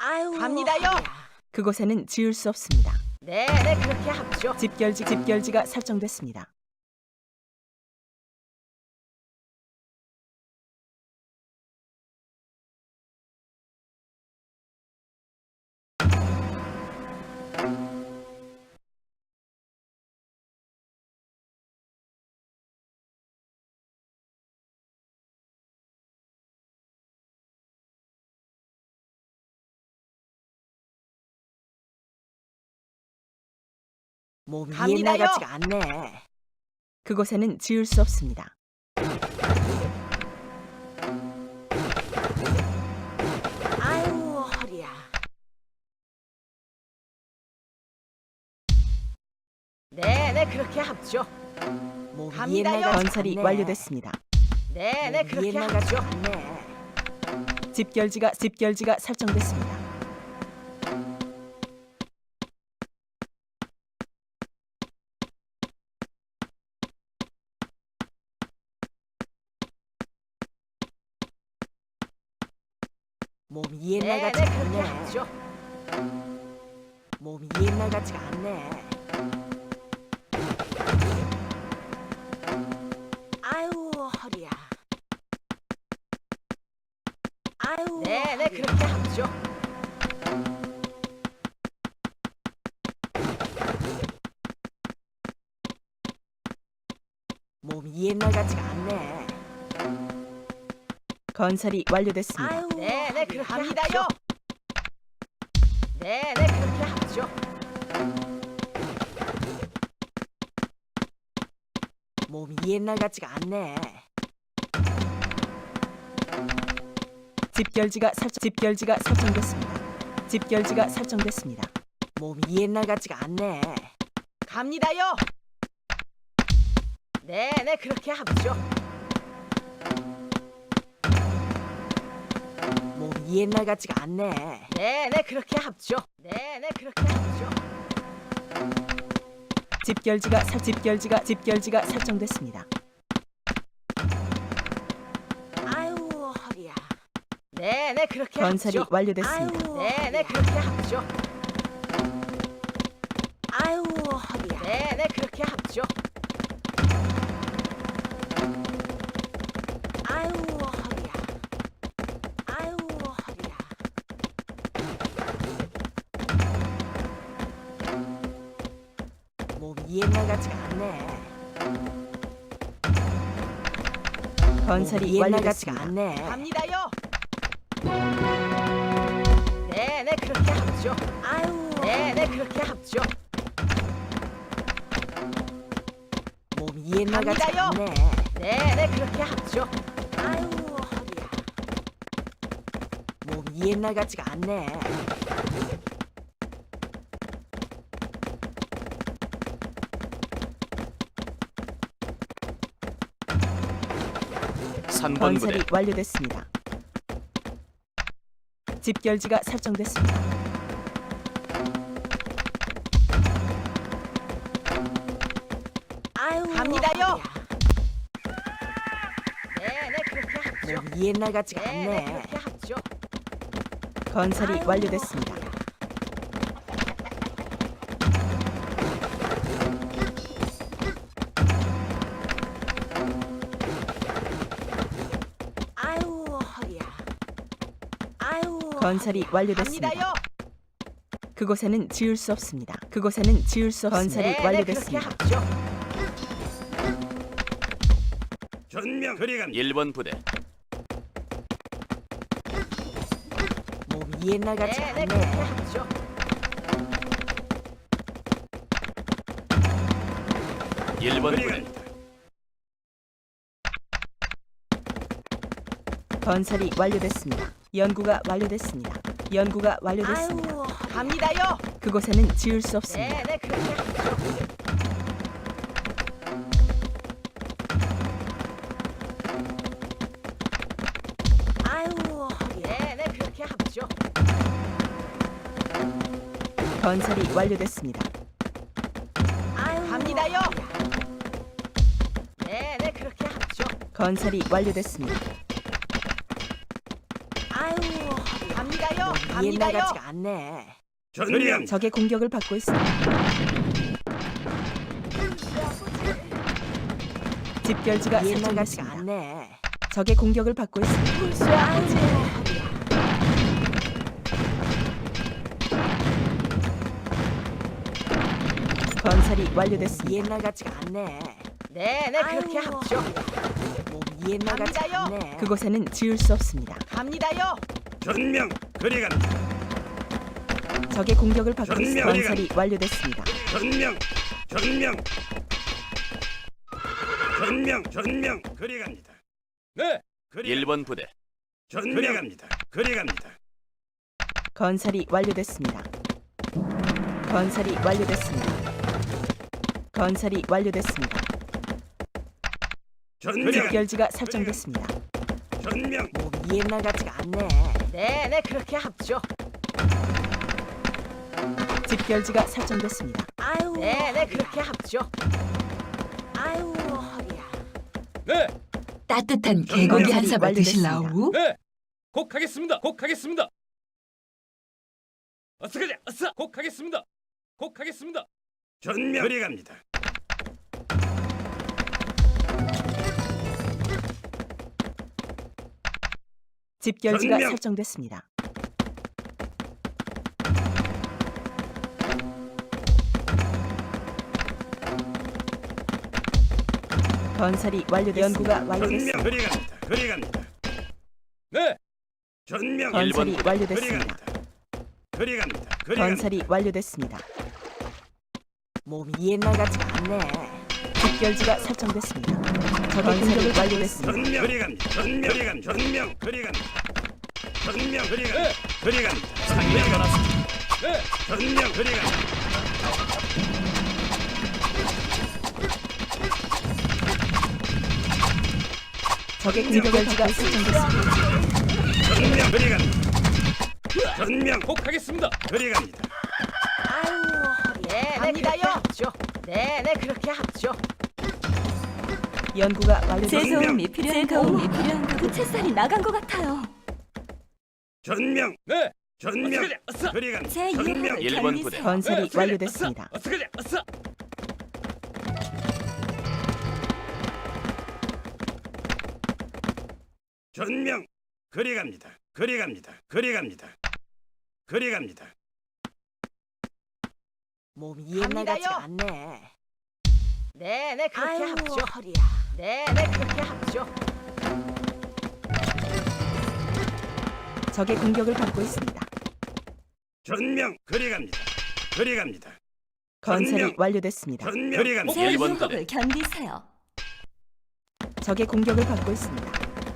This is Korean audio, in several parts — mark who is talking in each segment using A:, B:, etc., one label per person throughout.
A: 갑니다요.
B: 그곳에는 지을 수 없습니다.
A: 네, 그렇게 합죠.
B: 집결지가 설정됐습니다.
A: 몸이
B: 갑니다요.
A: 옛날 같지가 않네.
B: 그곳에는 지을 수 없습니다.
A: 아유, 허리야. 네, 그렇게 합죠. 몸이 갑니다요. 옛날 같지가
B: 건설이
A: 않네.
B: 완료됐습니다.
A: 네,
B: 뭐
A: 그렇게
B: 그
A: 옛날 합죠. 같지가 않네.
B: 집결지가 설정됐습니다.
A: 몸이 옛날 같지가
B: 그렇게
A: 않네.
B: 합죠.
A: 몸이 옛날 같지가 않네. 아유, 허리야. 아유,
B: 네,
A: 허리야.
B: 그렇게 합죠.
A: 몸이 옛날 같지가 않네.
B: 건설이 완료됐습니다.
A: 아유,
B: 네,
A: 허리야.
B: 그렇게
A: 갑니다요.
B: 합죠. 네, 그렇게 합죠.
A: 몸이 옛날 같지가 않네.
B: 집결지가 설정됐습니다. 집결지가 설정됐습니다.
A: 몸이 옛날 같지가 않네.
B: 갑니다요. 네, 그렇게 합죠.
A: 몸이 옛날 같지가 않네.
B: 네, 그렇게 합죠. 네, 그렇게 합죠. 집결지가 설정됐습니다.
A: 아유, 허리야.
B: 네, 그렇게 건설이 합죠.
A: 아유,
B: 완료됐습니다. 네,
A: 허리야.
B: 그렇게 합죠.
A: 아유, 허리야.
B: 네, 그렇게 합죠.
A: 아유, 허리야. 아유, 허리야. 몸이 옛날 같지가 않네.
B: 건설이
A: 몸이 옛날 같지가
B: 완료됐습니다.
A: 않네.
B: 갑니다요. 네, 그렇게 합죠.
A: 아유,
B: 네, 그렇게 합죠.
A: 몸이 옛날 같지가
B: 갑니다요.
A: 않네.
B: 네, 그렇게 합죠.
A: 아유, 허리야. 몸이 옛날 같지가 않네.
B: 건설이
C: 3번 부대
B: 완료됐습니다. 집결지가 설정됐습니다.
A: 아유,
B: 갑니다요.
A: 허리야.
B: 네, 그렇게 합죠.
A: 몸이 옛날 같지가
B: 네,
A: 않네.
B: 그렇게 합죠. 건설이
A: 아유,
B: 완료됐습니다.
A: 허리야. 아유, 허리야. 아유,
B: 건설이
A: 허리야.
B: 완료됐습니다.
A: 갑니다요.
B: 그곳에는 지을 수 없습니다. 그곳에는 지을 수 없습니다. 건설이 완료됐습니다.
A: 그렇게 합죠.
C: 전명 그리갑니다. 1번 부대
A: 몸이 옛날 같지가
B: 네,
A: 않네.
B: 그렇게 합죠.
C: 1번 부대
B: 건설이 완료됐습니다. 연구가 완료됐습니다. 연구가 완료됐습니다.
A: 아유, 허리야.
B: 갑니다요. 그곳에는 지을 수 없습니다. 네, 그렇게 합죠.
A: 아유, 허리야.
B: 네, 그렇게 합죠. 건설이 완료됐습니다.
A: 아유,
B: 갑니다요.
A: 허리야.
B: 네, 그렇게 합죠. 건설이 완료됐습니다.
A: 아유, 허리야.
B: 갑니다요.
A: 갑니다요.
B: 옛날 같지가 않네.
C: 전명
B: 적의 공격을 받고 있습니다. 집결지가
A: 옛날 같지가
B: 설정됐습니다.
A: 않네.
B: 적의 공격을 받고 있습니다.
A: 불수야 아버지.
B: 건설이 완료됐습니다.
A: 옛날 같지가 않네. 네, 그렇게
B: 아이고.
A: 합죠.
B: 몸이 옛날 같지가
A: 갑니다요.
B: 않네. 그곳에는 지을 수 없습니다.
A: 갑니다요.
C: 전명 그리 갑니다.
B: 적의 공격을 받고
C: 전명.
B: 있습니다. 건설이 완료됐습니다.
C: 전명 그리 갑니다. 네 1번 부대 전명 갑니다. 그리 갑니다.
B: 건설이 완료됐습니다. 건설이 완료됐습니다. 건설이 완료됐습니다.
C: 전명
B: 집결지가 설정됐습니다.
C: 전명
A: 몸이 옛날 같지가 않네. 네, 그렇게 합죠.
B: 집결지가 설정됐습니다.
A: 아유. 네, 그렇게 합죠. 아유, 허리야.
C: 네
D: 따뜻한
C: 전명.
D: 개고기 한 사발
B: 완료됐습니다.
D: 드실라우?
C: 네, 곧 가겠습니다. 곧 가겠습니다. 어서 가자. 어서. 곧 가겠습니다. 곧 가겠습니다. 전명 그리 갑니다.
B: 집결지가
C: 전명.
B: 설정됐습니다. 건설이 완료됐습니다. 연구가
C: 전명
B: 완료됐습니다.
C: 그리 갑니다. 그리 갑니다. 네, 전명
B: 건설이
C: 1번
B: 완료됐습니다.
C: 그리 갑니다. 그리
B: 건설이 완료됐습니다.
A: 몸이 옛날 같지가 않네.
B: 집결지가 설정됐습니다. 적의 공격을 완료됐습니다.
C: 전명 그리 갑니다. 전명 그리 갑니다. 전명 그리 갑니다. 전명 그리 갑니다. 그리 갑니다. 상명 떠났습니다. 네, 전명 그리 갑니다.
B: 적의 공격지가 설정됐습니다.
C: 전명 그리 갑니다. 전명 꼭 가겠습니다. 그리 갑니다.
A: 아유, 허리야. 네, 그렇게 합죠. 네, 그렇게 합죠.
B: 연구가
D: 제
B: 완료됐습니다.
D: 도움이 필요한 그 채살이 나간 것 같아요.
C: 전명 네, 전명 그리 갑니다.
D: 제
C: 전명
D: 유혹을
C: 1번 부대
D: 견디세요.
B: 건설이 완료됐습니다.
C: 어서 가자. 어서. 전명 그리 갑니다. 그리 갑니다. 그리 갑니다. 그리 갑니다.
A: 몸이 옛날
B: 갑니다요.
A: 같지가 않네. 네, 그렇게
B: 아유,
A: 합죠.
B: 허리야.
A: 네, 그렇게 합죠.
B: 적의 공격을 받고 있습니다.
C: 전명 그리 갑니다. 그리 갑니다.
B: 건설이
C: 전명.
B: 완료됐습니다.
C: 전명 그리 갑니다.
D: 제
C: 1번 부대
D: 유혹을 견디세요.
B: 적의 공격을 받고 있습니다.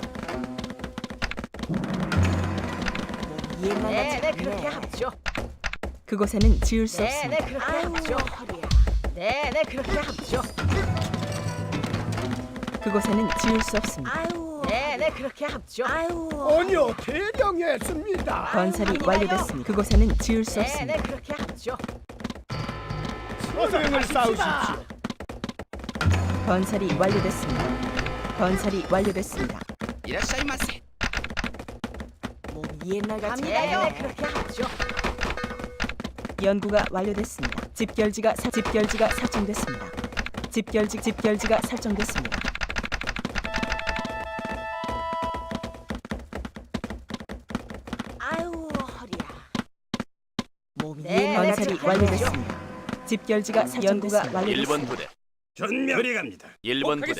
A: 몸이 옛날
B: 네,
A: 같지가 않네.
B: 그렇게
A: 합죠.
B: 그곳에는 지을 수
A: 네,
B: 없습니다.
A: 그렇게
B: 아유,
A: 합죠.
B: 허리야.
A: 네, 그렇게 합죠.
B: 그곳에는 지을 수 없습니다.
A: 아유, 네, 그렇게 합죠. 아유,
E: 아니요, 대령했습니다.
B: 건설이
A: 아니에요.
B: 완료됐습니다. 그곳에는 지을 수
A: 네,
B: 없습니다.
A: 그렇게 합죠.
E: 서명을 싸우십시오.
B: 건설이 완료됐습니다. 건설이 완료됐습니다.
A: 몸이 옛날 같지가
B: 갑니다요.
A: 않네. 그렇게 합죠.
B: 연구가 완료됐습니다. 집결지가 설정됐습니다. 집결지가 설정됐습니다.
A: 아유, 허리야. 몸이
B: 네,
A: 옛날
B: 건설이
A: 같지가 않네.
B: 완료됐습니다. 집결지가 연구가
C: 1번
B: 완료됐습니다.
C: 부대 전명 그리 갑니다. 1번 부대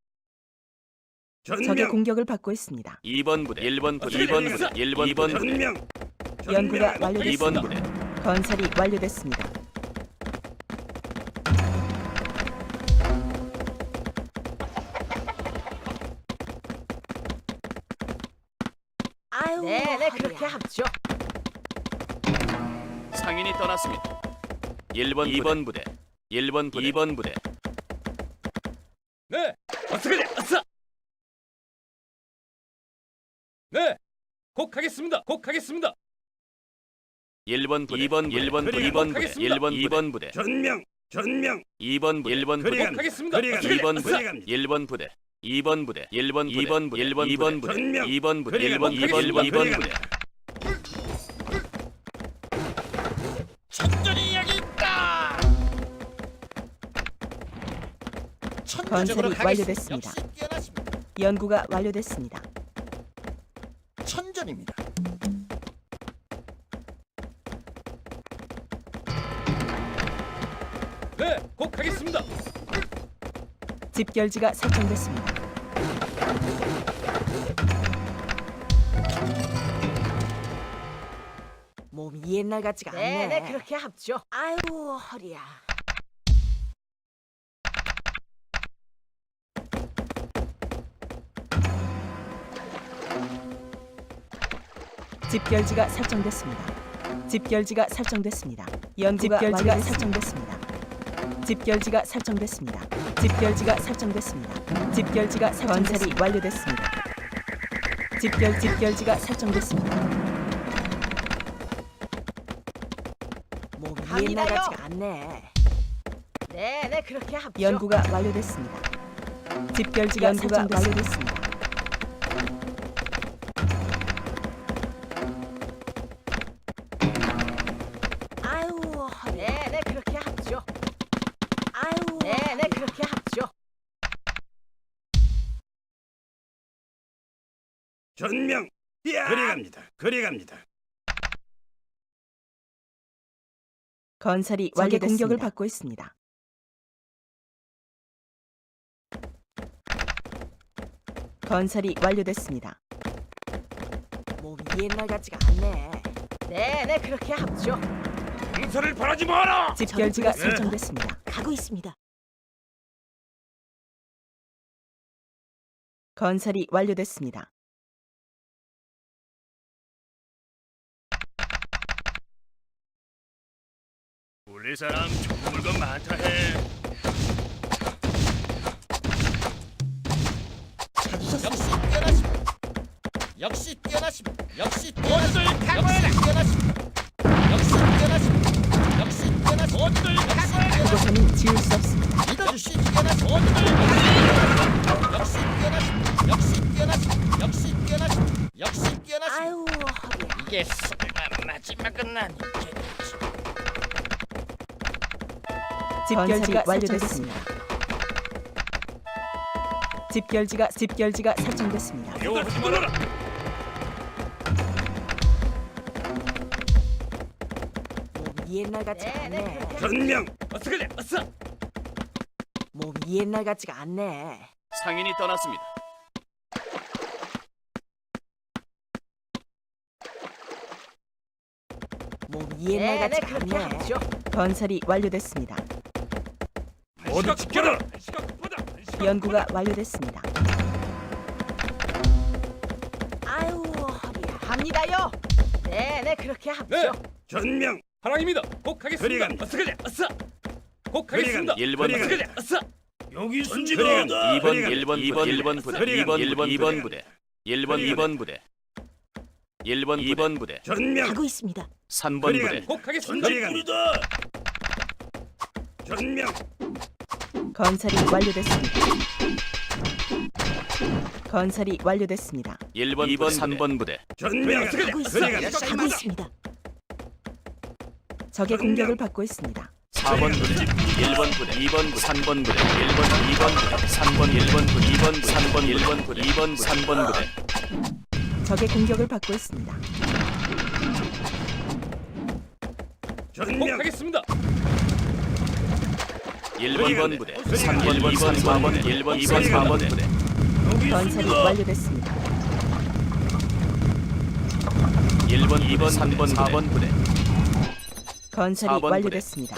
B: 적의
C: 전명
B: 공격을 받고 있습니다.
C: 2번 부대 1번 부대 2번 부대 1번 부대 전명
B: 연구가
C: 2번
B: 완료됐습니다.
C: 부대
B: 건설이 완료됐습니다.
A: 아유,
B: 네,
A: 그렇게 합죠.
C: 상인이 떠났습니다. 1번 2번 부대 1번 부대 2번 부대 네, 어서 가자. 어서. 네, 곧 가겠습니다. 곧 가겠습니다. 1번 부대 2번 1번 부대 2번 부대 1번 부대 전명 2번 부대 1번 부대 곧 가겠습니다. 2번 부대 1번 부대 2번 부대 1번 부대 2번 부대 2번 부대 2번 부대 1번 2번 부대
B: 건설이 완료됐습니다.
F: 역시 뛰어나십니다.
B: 연구가 완료됐습니다.
F: 천전입니다.
C: 네, 곧 가겠습니다.
B: 집결지가 설정됐습니다.
A: 몸이 옛날 같지가 않네. 네, 그렇게 합죠. 아유, 허리야.
B: 집결지가 설정됐습니다. 집결지가 설정됐습니다. 집결지가 설정됐습니다. 집결지가 설정됐습니다. 집결지가 설정됐습니다. 집결지가 건설이 완료됐습니다. 집결지가 설정됐습니다.
A: 몸이 옛날 같지가 않네. 네, 그렇게 합죠.
B: 연구가 완료됐습니다. 집결지가 완료됐습니다.
A: 아유, 허리. 네, 그렇게 합죠. 아유, 네, 그렇게 합죠.
E: 전명. 그리 갑니다.
B: 건설이 적의 공격을 받고 있습니다. 건설이 완료됐습니다.
A: 몸이 옛날 같지가 않네. 네, 그렇게 합죠.
E: 용서를 바라지 마라.
B: 집결지가 설정됐습니다.
A: 가고 있습니다.
B: 건설이 완료됐습니다.
E: 우리 사람 좋은 물건 많다 해.
F: 역시 뛰어나십니다. 역시 뛰어나십니다. 역시 뛰어나십니다. 역시 뛰어나십니다. 역시 뛰어나십니다.
B: 그곳에는 지울 수 없습니다.
F: 믿어주시 뛰어나십니다. 역시 뛰어나십니다. 역시 뛰어나십니다. 역시 뛰어나십니다. 역시 뛰어나십니다.
A: 아유, 허리야.
F: 이게 설마 마지막은 아니겠지.
B: 집결지가 완료됐습니다. 집결지가 설정됐습니다.
E: 용서를 말아라.
A: 몸이 옛날 같지가 않네.
E: 전명.
C: 어서 가자. 어서.
A: 몸이 옛날 같지가 않네.
C: 상인이 떠났습니다.
A: 몸이 옛날 같지가 않네.
B: 건설이 완료됐습니다.
E: 모두 지켜라.
B: 연구가 완료됐습니다.
A: 아유, 허리야. 합니다요. 네, 그렇게 합죠.
C: 네,
E: 전명.
C: 하랑입니다. 곧
E: 그리
C: 가겠습니다.
E: 갑니다.
C: 어서 가자. 어서. 곧 가겠습니다.
E: 그리
C: 1번
E: 갑니다.
C: 어서 가자. 어서.
E: 여기
C: 전지가 2번 부대. 2번 부대. 1번 부대. 2번 부대.
E: 전명.
A: 가고 있습니다.
C: 3번 부대. 곧 가겠습니다.
E: 전명.
B: 건설이 완료됐습니다. 건설이 완료됐습니다.
C: 1번, 2번, 3번 부대.
E: 전명.
A: 가고 있습니다. 가고 있습니다.
B: 적의 공격을 받고 있습니다.
C: 4번 부대, 1번 부대, 2번 부대, 3번 부대, 1번, 2번 부대, 3번, 1번 부대, 2번 부대, 3번, 1번 부대, 2번, 3번 부대.
B: 적의 공격을 받고 있습니다.
C: 곧
E: 전명.
C: 가겠습니다. 1번, 2번 부대, 3번, 2번, 4번, 1번, 2번, 4번 부대.
B: 건설이 완료됐습니다.
C: 1번, 2번, 3번, 4번 부대.
B: 건설이
C: 4번 부대.
B: 완료됐습니다.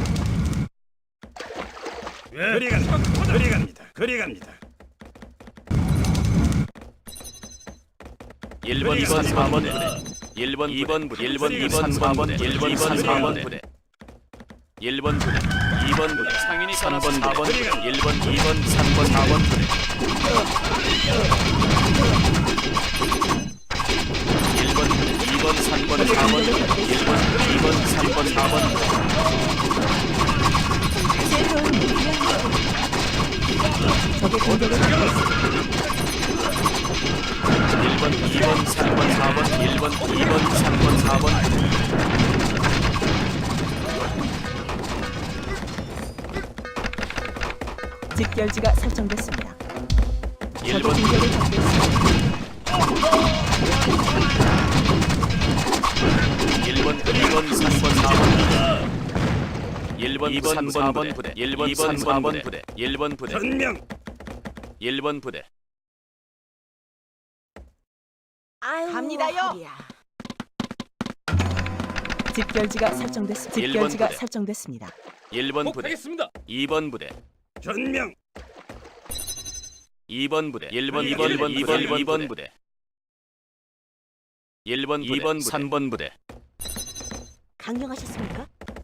E: 그리 갑니다.
C: 1번, 2번, 4번 부대. 1번, 2번 부대, 1번, 2번, 3번 부대, 1번, 2번, 4번 부대. 1번 부대, 2번 부대, 상인이 3번, 4번 부대, 1번, 2번, 3번, 4번 부대. 1번 부대, 2번, 3번, 4번 부대, 1번, 2번, 3번, 4번 부대.
B: 적의 공격을 받고 있습니다.
C: 1번, 2번, 3번, 4번, 1번, 2번, 3번, 4번 부대.
B: 집결지가 설정됐습니다. 적의
C: 1번
B: 공격을 받고 있습니다.
C: 1번 2번 3번 4번 1번 2번 3번 부대 1번 2번 3번 부대 1번 부대
E: 전명
C: 1번 부대
A: 아유, 갑니다요. 허리야.
B: 집결지가 설정됐습니다.
C: 일본
B: 집결지가
C: 부대.
B: 설정됐습니다.
C: 1번
E: 꼭
C: 부대
E: 하겠습니다.
C: 2번 부대
E: 전명
C: 2번 부대 1번 2번 부대 1번 2번 3번 부대
A: 강령하셨습니까?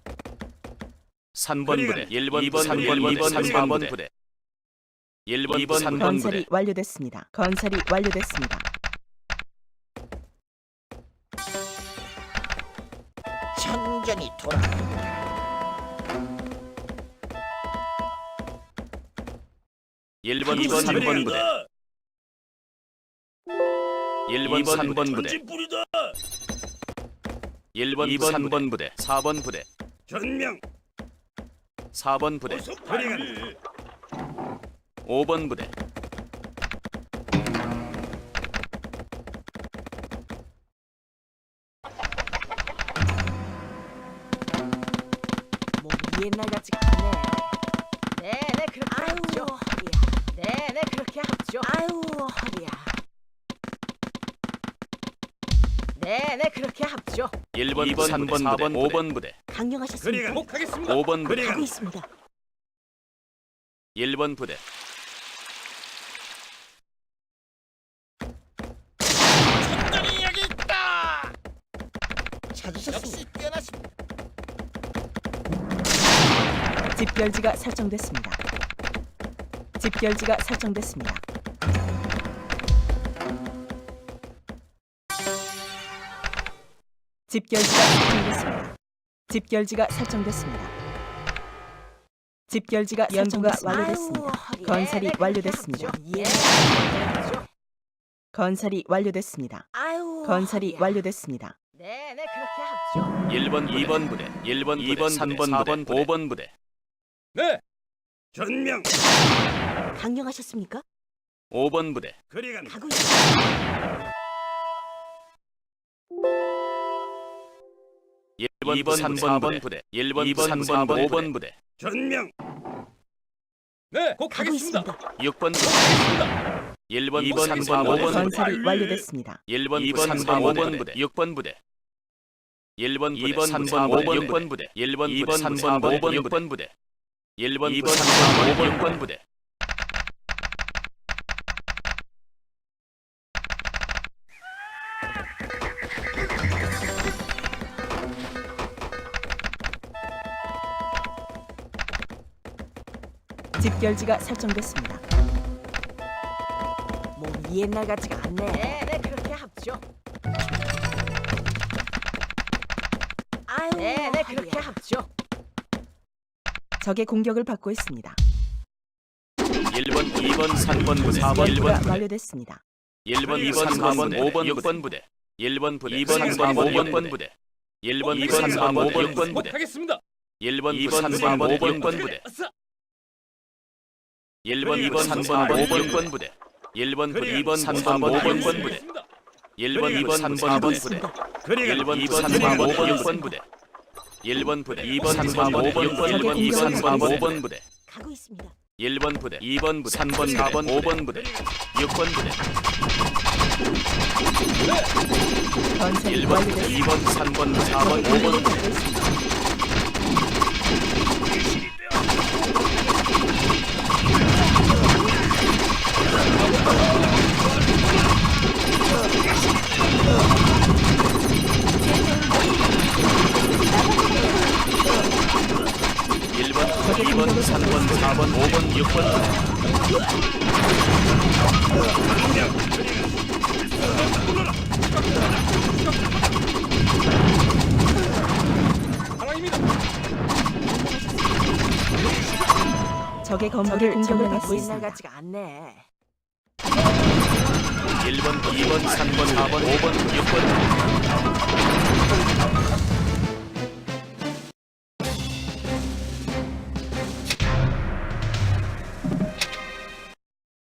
C: 3번 부대 1번 2번 3번 부대 1번 2번 3번
B: 건설이
C: 부대
B: 완료됐습니다. 건설이 완료됐습니다.
F: 천전이 돌아.
C: 1번 2번 3번 부대 1번 3번 부대
E: 전진불이다.
C: 1번 2번 3번 부대 4번 부대
E: 전명
C: 4번 부대
E: 어서 빨리.
C: 5번 부대
A: 몸이 옛날 같지가 않네. 네네 그렇게 합죠. 허리야. 네네 그렇게 합죠. 아유 허리야. 네네 그렇게 합죠.
C: 1번 2번 3번 부대 5번 부대
A: 강령하셨습니까?
E: 꼭 하겠습니다.
C: 5번 부대
A: 하고 있습니다.
C: 1번 부대
F: 천전이 여기 있다.
A: 찾으셨습니다.
F: 역시 뛰어나십니다.
B: 집결지가 설정됐습니다. 집결지가 설정됐습니다. 집결지가 설정됐습니다. 집결지가 설정됐습니다. 집결지가 연구가 완료됐습니다. 건설이 완료됐습니다.
A: 예.
B: 건설이 완료됐습니다.
A: 아유.
B: 건설이
A: 허리야.
B: 완료됐습니다.
A: 네네 그렇게 합죠.
C: 1번 2번 부대 1번 2번 3번 부대 5번 부대
E: 네. 전명
A: 강령하셨습니까?
C: 5번 부대
E: 그리간다.
A: 가고 있습니다.
C: 1번 2번 3번 부대 1번 2번 3번 5번 부대
E: 전명 네. 꼭
A: 가고
E: 하겠습니다.
A: 있습니다.
C: 6번 부대 1번 2번 3번 5번 부대
B: 건설이 완료됐습니다.
C: 1번 2번 3번 5번 부대 6번 부대 1번 2번 3번 5번 6번 부대 1번 2번 3번 5번 6번 부대 1번 2번 3번 5번 6번 부대
B: 집결지가 설정됐습니다.
A: 몸이 옛날 같지가 않네. 네네 그렇게 합죠. 아유. 네네 그렇게 합죠.
B: 적의 공격을 받고 있습니다.
C: 1번 2번 3번 부대 4번
B: 연구가
C: 1번 부대
B: 완료됐습니다.
C: 1번 2번 3번 5번 6번 부대 1번 부대 2번 3번 5번 부대 1번 2번 3번 5번 6번
E: 꼭
C: 부대
E: 하겠습니다.
C: 1번 2번 3번 5번 6번 부대
E: 아싸.
C: 1번 2번 3번 5번 6번 부대 1번 부대 2번 3번 5번 6번 부대 1번 2번 3번 5번 부대 1번 2번 3번 5번 6번 부대 1번 부대 2번 3번 5번 6번 1번 2번 3번 5번 부대
A: 가고 있습니다.
C: 1번 부대 2번 부대 3번 4번 5번 부대 6번 부대
B: 건설이
C: 1번 부대
B: 완료됐습니다.
C: 2번 3번 4번
B: 적의
C: 5번
B: 공격을
C: 부대
B: 받고 있습니다.
C: 일번 2번 3번 4번 5번 6번
E: 상황입니다.
B: 적의 건물을 공격을 받고
A: 옛날
B: 있습니다.
A: 같지가 않네.
C: 1번 2번 3번 4번 5번 6번